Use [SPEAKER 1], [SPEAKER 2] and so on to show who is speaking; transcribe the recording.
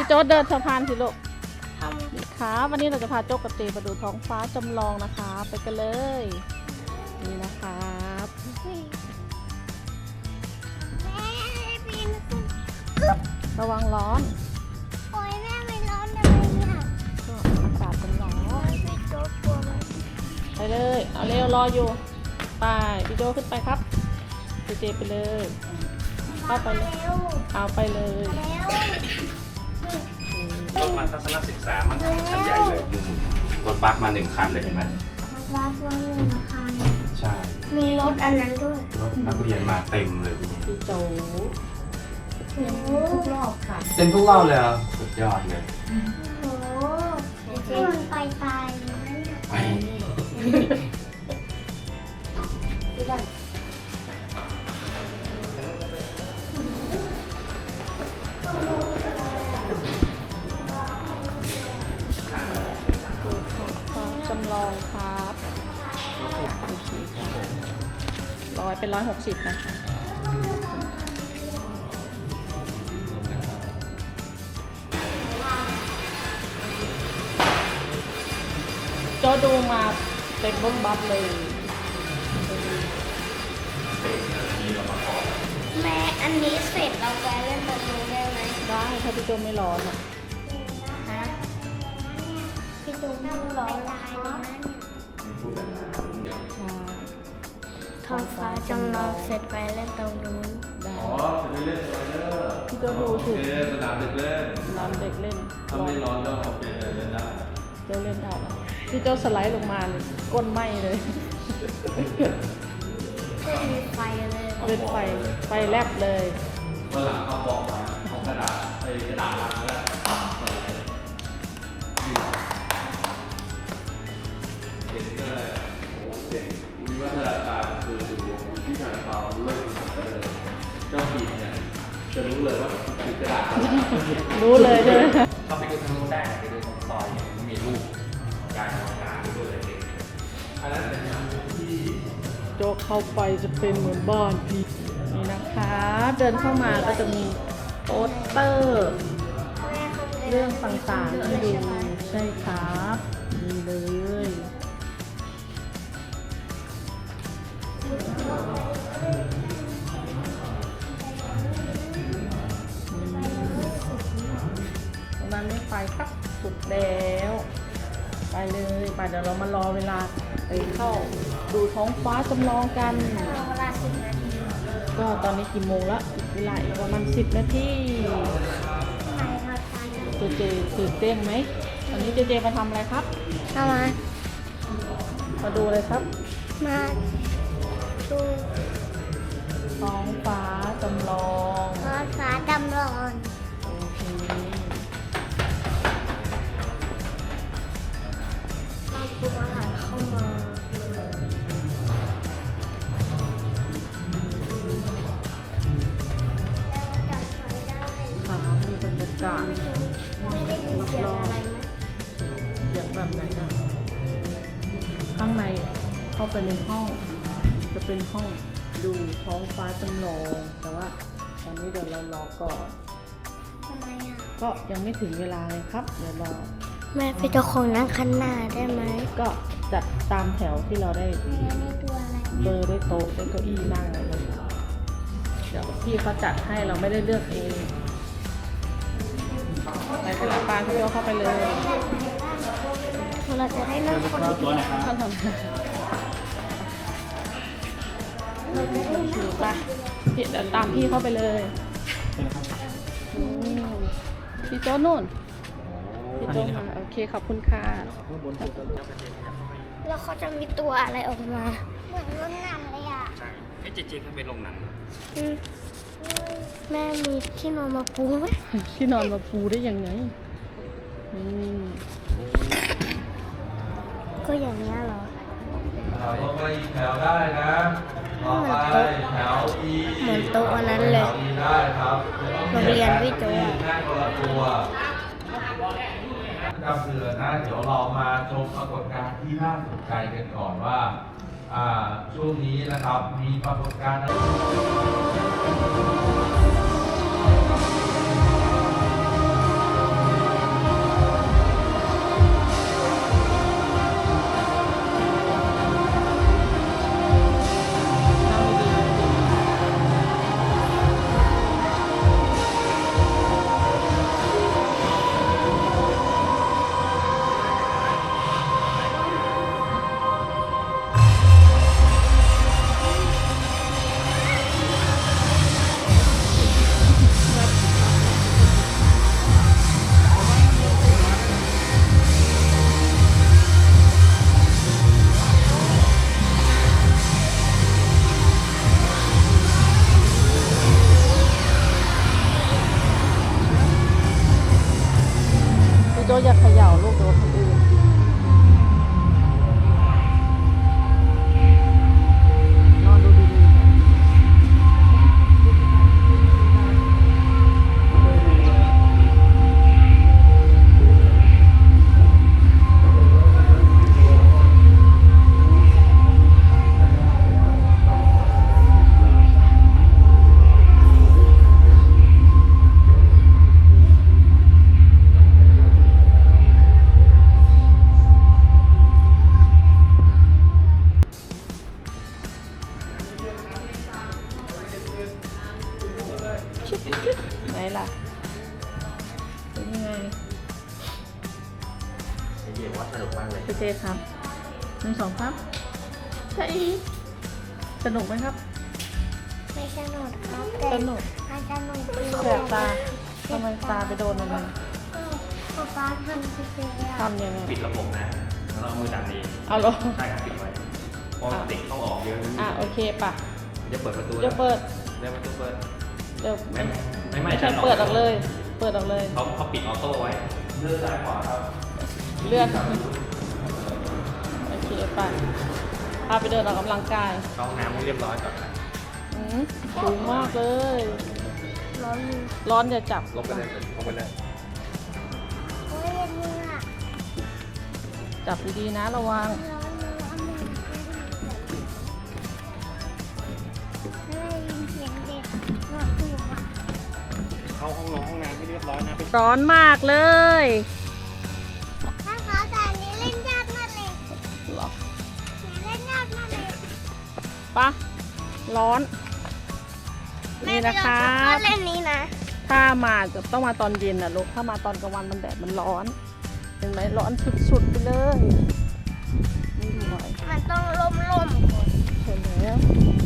[SPEAKER 1] โจ๊ดเดินสะพานสิลูกค่ะวันนี้เราจะพาโจ๊กกับเจมาดูท้องฟ้าจำลองนะคะไปกันเลยนี่นะครับระวังร้อน
[SPEAKER 2] โอ้ยแม่ไม่ร้อนเลยเนี่ย
[SPEAKER 1] ก็อากาศมันร้อน
[SPEAKER 2] พี่โจ๊กกลัวไหม
[SPEAKER 1] ไปเลยเอาเร็วรออยู่ไปพี่โจ๊กขึ้นไปครับเจไปเลยเข้าไปเลยเอาไปเลย
[SPEAKER 2] แล้ว
[SPEAKER 3] รถมาทัศนศึกษามันคันใหญ่เลยรถบัสมา1 คันเลยเห็นไหม
[SPEAKER 2] ร้านตัวนึงนะคะ
[SPEAKER 3] ใช่
[SPEAKER 2] มีรถอันนั้นด้วย
[SPEAKER 3] รถนักเรียนมาเต็มเลยทีนี้
[SPEAKER 1] พี่โจ๊ก
[SPEAKER 2] โอ้โห
[SPEAKER 1] ทุกรอบค่ะ
[SPEAKER 3] เต็มทุกรอบเลยอ่ะสุดยอดเลย
[SPEAKER 2] โอ้โหที่มันไปตายนะเนี่ย
[SPEAKER 3] ไป
[SPEAKER 1] จำลองครับโอเคครับร้อยเป็น160นะคะโจดูมาเต็มรถบัสเลย
[SPEAKER 2] แม่อันนี้เสร็จเราไปเล่นแบบนี้ได้ไหม
[SPEAKER 1] ได้ถ้าพี่โจไม่ร้อนอ่ะ
[SPEAKER 2] ฮะพี่โจ๊กนั่งรอตายตรงนั้น
[SPEAKER 1] ใช่
[SPEAKER 2] ท้องฟ้าจำลองเสร็จไปเล่นตรงนู้น
[SPEAKER 1] ได้
[SPEAKER 4] อ๋อจะไปเล่นสไลเดอร์
[SPEAKER 1] พี่โจดู
[SPEAKER 4] โอ
[SPEAKER 1] ถูก
[SPEAKER 4] เคสนามเด็กเล่น
[SPEAKER 1] น้ำเด็กเล่น
[SPEAKER 4] ถ้าไม่ร้อนก็โอเคเล่นได้
[SPEAKER 1] โจเล่นได้แล้วพี่โจสไลด์ลงมาเลยก้นไหม้เลย
[SPEAKER 2] ไม่มีไฟเลย
[SPEAKER 1] เป็นไฟแลบเลย
[SPEAKER 4] เมื่อหลังเขาบอกมาของกระดาษไอ้กระดาษลังแล้วเด็กก็เลยโอ้เด็กวิวัฒนาการคืออยู่ที่ทางเราเริ่มเจ้าปีเนี่ยจะรู้เลยว่าคือกระดาษ
[SPEAKER 1] รู้เลยใช่ไหม
[SPEAKER 3] เข้าไปดูทางนู้นได้ไปดูตรงซอยเนี่ยมันมีรูปการทำงานด้วยเลย
[SPEAKER 4] อันนั้นเป็นอย่างที่
[SPEAKER 1] โจเข้าไปจะเป็นเหมือนบ้านพี่นี่นะคะ เดินเข้ามาก็จะมีโปสเตอร์ เรื่องต่างๆให้ดูใช่ครับนี่เลยตรงนั้นไม่ไปครับสุดแล้วไปเลยไปเดี๋ยวเรามารอเวลาไปเข้าดูท้องฟ้าจำลองกัน
[SPEAKER 2] เวลา10 นาที
[SPEAKER 1] ก็ตอนนี้กี่โมงละเวลาอีกประมาณ10 นาที
[SPEAKER 2] ใครเขาตาย
[SPEAKER 1] เจตื่นเต้นไหมตอนนี้เจมาทำอะไรครับ
[SPEAKER 2] เข้ามา
[SPEAKER 1] มาดูเลยครับ
[SPEAKER 2] มาดู
[SPEAKER 1] ท้องฟ้าจำลอง
[SPEAKER 2] ท้องฟ้าจำลอง
[SPEAKER 1] โอเค
[SPEAKER 2] เอาปรุงอาหารเข้ามาแล้วจัดไฟได้
[SPEAKER 1] ค่ะมีบรรยากาศ
[SPEAKER 2] ไม่ได้ยินเสียงอะไรไหม
[SPEAKER 1] เสียงแบบไหนนะข้างในเข้าไปในห้อง จะเป็นห้องดูท้องฟ้าจำลอง แต่ว่าตอนนี้เดี๋ยวเรารอก่อน
[SPEAKER 2] ทำไมอ่ะ
[SPEAKER 1] ก็ยังไม่ถึงเวลาเลยครับ เดี๋ยวรอ
[SPEAKER 2] แม่เป็นเจ้าของนั่งข้างหน้าได้ไหม
[SPEAKER 1] ก็จัดตามแถวที่เราได้
[SPEAKER 2] แม่นี่ตัวอะไร
[SPEAKER 1] เบอร์ด้วยโต๊ะด้วยเก้าอี้นั่งอะไรเลยเดี๋ยวพี่เขาจัดให้เราไม่ได้เลือกเองไปเป็นปานพี่โยเข้าไปเลย
[SPEAKER 2] เราจะได้นั่งคนเดียว
[SPEAKER 1] ท่านทำถือไปพี่เดี๋ยวตามพี่เข้าไปเลยอืมพี่โจ้นู่นพี่โจ้มาโอเคขอบคุณค่ะ
[SPEAKER 2] แล้วเขาจะมีตัวอะไรออกมา เหมือนรถหนังเลยอ่ะ
[SPEAKER 3] ใช่ไอ้เจเขาไปลงหนัง
[SPEAKER 2] แม่มีที่นอนมาปูไหม
[SPEAKER 1] ที่นอนมาปูได้ยังไงอืม
[SPEAKER 2] ก็อย่างนี้ยเหรอ
[SPEAKER 4] เราลงไปอีกแถวได้นะต่อไปแถว E
[SPEAKER 2] เหมือนโต๊ะอันนั้นเลย
[SPEAKER 4] E ได้ครับ
[SPEAKER 2] โรงเรียนพี่โจ้
[SPEAKER 4] แม่คนละตัวจำเดือนนะเดี๋ยวเรามาชมปรากฏการณ์ที่น่าสนใจกันก่อนว่าช่วงนี้นะครับมีปรากฏการณ์
[SPEAKER 1] ไหนล่ะเป็นยังไง
[SPEAKER 3] ไอเดียว่าสนุกมากเลย
[SPEAKER 1] พี่เจครับ1 2ครับใช่สนุกไหมครับ
[SPEAKER 2] ไม่สนุกครับ
[SPEAKER 1] สนุก
[SPEAKER 2] มันสนุกดี
[SPEAKER 1] แสบตาทำไมตาไปโดนอะไร
[SPEAKER 2] ป๊าป๊าทำสิเดียว
[SPEAKER 1] ทำยังไง
[SPEAKER 3] ปิดระบบนะ แล้วเราเอามือดันเอง
[SPEAKER 1] เอาเหรอ
[SPEAKER 3] ใช่ครับปิดไว้เพราะเด็กเข้าออกเยอะ
[SPEAKER 1] โอเคป่ะ
[SPEAKER 3] จะเปิดประตู
[SPEAKER 1] เดี๋ยวเปิด
[SPEAKER 3] เดี๋ยวประตูเปิด
[SPEAKER 1] เดี๋ยว
[SPEAKER 3] ไม่
[SPEAKER 1] ใช่เปิดออกเลย เปิดออกเลย
[SPEAKER 3] เขาปิดออโต้ไว้เลื่อนซ้ายขวาครับ
[SPEAKER 1] เลื่อนโอเคไปพาไปเดินออกกำลังกาย
[SPEAKER 3] เข้าห้องน้ำให้เรียบร้อยก่อนนะ
[SPEAKER 1] สูงมากเลย
[SPEAKER 2] ร้อนมือ
[SPEAKER 1] ร้อนอย่าจับ
[SPEAKER 3] ลงไปเลยลงไปเลย
[SPEAKER 2] โอ้ยเย็นมืออ่ะ
[SPEAKER 1] จับดีๆนะระวัง
[SPEAKER 2] ร้อนมือเอามือไม่ได้ยินเสียงเด็กหนวดหูอ่ะ
[SPEAKER 3] เข้าห้องน้ำให้เรียบร้อยนะไป
[SPEAKER 1] ร้อนมากเลย
[SPEAKER 2] ถ้าเขาแต่อันนี้เล่นยากมากเลย
[SPEAKER 1] หรอ
[SPEAKER 2] เล่นยากมากเลย
[SPEAKER 1] ปะร้อน นี่นะคะ
[SPEAKER 2] แม่ไปลองเล่นนี้นะ
[SPEAKER 1] ถ้ามาจะต้องมาตอนเย็นนะลูกถ้ามาตอนกลางวันมันแดดมันร้อน เห็นไหมร้อนสุดๆไปเลยนี่หน่อย
[SPEAKER 2] มันต้องล่มๆก่อน
[SPEAKER 1] เห็นแล้ว